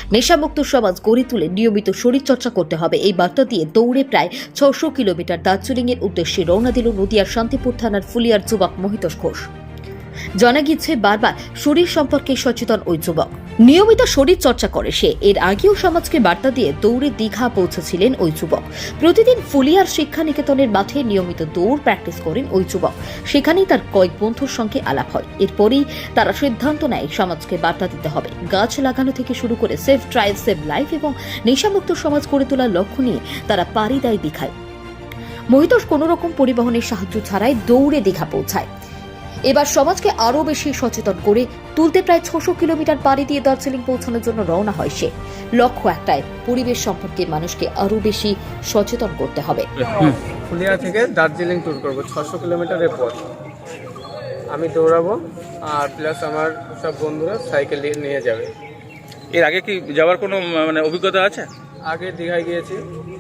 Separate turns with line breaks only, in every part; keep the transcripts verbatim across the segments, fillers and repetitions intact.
নেশামুক্ত সমাজ গড়ে তুলে নিয়মিত শরীরচর্চা করতে হবে এই বার্তা দিয়ে দৌড়ে প্রায় ছশো কিলোমিটার দার্জিলিংয়ের উদ্দেশ্যে রওনা দিল নদিয়ার শান্তিপুর থানার ফুলিয়ার যুবক মহিতোষ ঘোষ। জানা গিয়েছে বারবার শরীর সম্পর্কে সচেতন ওই যুবক নিয়মিত শরীর চর্চা করে সে। এর আগেও সমাজকে বার্তা দিয়ে দৌড়ে দীঘা পৌঁছেছিলেন ওই যুবক। প্রতিদিন ফুলিয়ার শিক্ষা নিকেতনের মাঠে নিয়মিত দৌড় প্র্যাকটিস করেন ওই যুবক। সেখানেই তার কয়েক বন্ধুর সঙ্গে আলাপ হয়। এরপরই তারা সিদ্ধান্ত নেয় সমাজকে বার্তা দিতে হবে। গাছ লাগানো থেকে শুরু করে সেফ ড্রাইভ সেভ লাইফ এবং নেশামুক্ত সমাজ গড়ে তোলার লক্ষ্য নিয়ে তারা পাড়ি দেয় দীঘায়। মহিতোষ কোনো রকম পরিবহনের সাহায্য ছাড়াই দৌড়ে দীঘা পৌঁছায়। এবার সমাজকে আরো বেশি সচেতন করে তুলতে প্রায় ছশো কিলোমিটার পাড়ি দিয়ে দার্জিলিং পৌঁছানোর জন্য রওনা হয় সে। লক্ষ্য একটাই, পরিবেশ সম্পর্কে মানুষকে আরো বেশি সচেতন করতে হবে।
ফুলিয়া থেকে দার্জিলিং ট্যুর করবো, ছশো কিলোমিটারের পথ আমি দৌড়াবো আর প্লাস আমার সব বন্ধুরা সাইকেল নিয়ে যাবে।
এর আগে কি যাওয়ার কোনো মানে অভিজ্ঞতা আছে?
আগে দীঘায় গিয়েছি।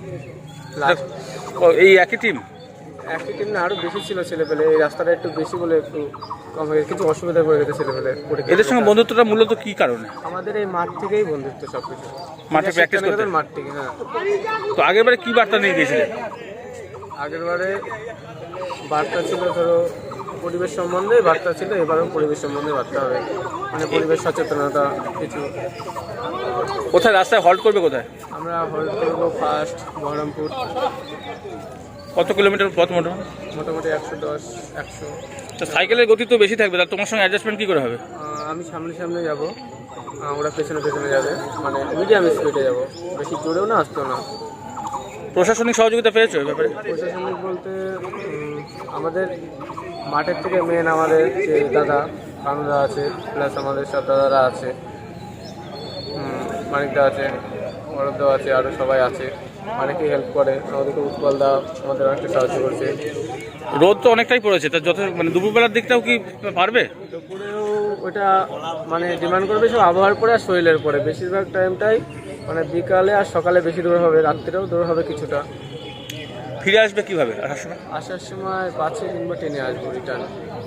এই একই টিম?
একই টিম না, আরও বেশি ছিল ছেলেপেলে। এই রাস্তাটা একটু বেশি বলে একটু কম হয়ে কিছু অসুবিধা পড়ে গেছে ছেলেপেলে।
এদের সঙ্গে বন্ধুত্বটা মূলত কি কারণে?
আমাদের এই মাঠ থেকেই বন্ধুত্ব, সব কিছু
মাঠে প্র্যাকটিস করতে?
মাঠ থেকে, হ্যাঁ।
তো আগের বারে কি বার্তা নিয়ে গিয়েছিলেন?
আগের বারে বার্তা ছিল ধরো পরিবেশ সম্বন্ধে বার্তা ছিল, এবারও পরিবেশ সম্বন্ধে বার্তা হবে, মানে পরিবেশ সচেতনতা কিছু।
কোথায় রাস্তায় হল্ট করবে? কোথায়
আমরা হল্ট করবো? ফার্স্ট বহরমপুর।
কত কিলোমিটার পথ মোটামুটি?
মোটামুটি একশো দশ একশো।
তো সাইকেলের গতি তো বেশি থাকবে, তার তোমার সঙ্গে অ্যাডজাস্টমেন্ট কী করে হবে?
আমি সামনে সামনে যাব, ওরা পেছনে পেছনে যাবে, মানে মিডিয়াম স্পিডে যাব, বেশি জোরেও না আসতেও না।
প্রশাসনিক সহযোগিতা পেয়েছো এই ব্যাপারে?
প্রশাসনিক বলতে আমাদের মাঠের থেকে মেন আমাদের যে দাদা কানুদা আছে, প্লাস আমাদের সব দাদারা আছে, মানিকদা আছে, বরফদা আছে, আরও সবাই আছে, অনেকেই হেল্প করে আমাদেরকে। উৎপলদা আমাদের অনেকটা সাহায্য করছে।
রোদ তো অনেকটাই পড়েছে, তা যত মানে দুপুরবেলার দিকটাও কি পারবে?
দুপুরেও ওটা মানে ডিমান্ড করবে সব আবহাওয়ার পরে আর শরীরের পরে। বেশিরভাগ টাইমটাই মানে বিকালে আর সকালে বেশি দৌড় হবে, রাত্রেও দৌড় হবে কিছুটা।
ফিরে আসবে কিভাবে আসার সময়?
আসার সময় বাসে কিংবা ট্রেনে আসবো রিটার্ন।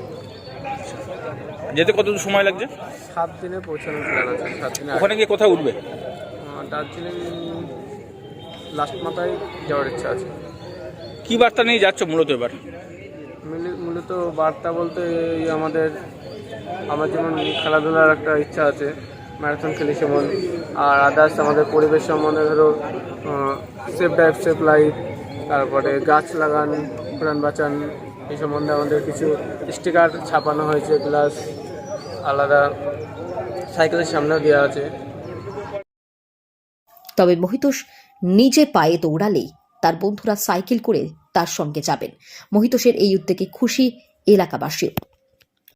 যেতে কত সময় লাগছে?
সাত দিনে পৌঁছানোর প্ল্যান আছে। সাত দিনে
ওখানে গিয়ে কোথায় উঠবে?
দার্জিলিং লাস্ট মাথায় যাওয়ার ইচ্ছা আছে।
কি বার্তা নিয়ে যাচ্ছ মূলত এবার?
মূলত বার্তা বলতে এই আমাদের আমার যেমন খেলাধুলার একটা ইচ্ছা আছে, ম্যারাথন খেলি যেমন, আর আদার্স আমাদের পরিবেশ সম্বন্ধে ধরো সেফ ড্রাইভ সেফ লাইফ, তারপরে গাছ লাগান প্রাণ বাঁচান, এই সম্বন্ধে আমাদের কিছু স্টিকার ছাপানো হয়েছে, প্লাস আলাদা সাইকেলের সামনেও দেওয়া আছে।
তবে মহিতোষ নিজে পায়ে দৌড়ালেই তার বন্ধুরা সাইকেল করে তার সঙ্গে যাবেন। মহিতোষের এই উদ্যোগে খুশি এলাকাবাসীও।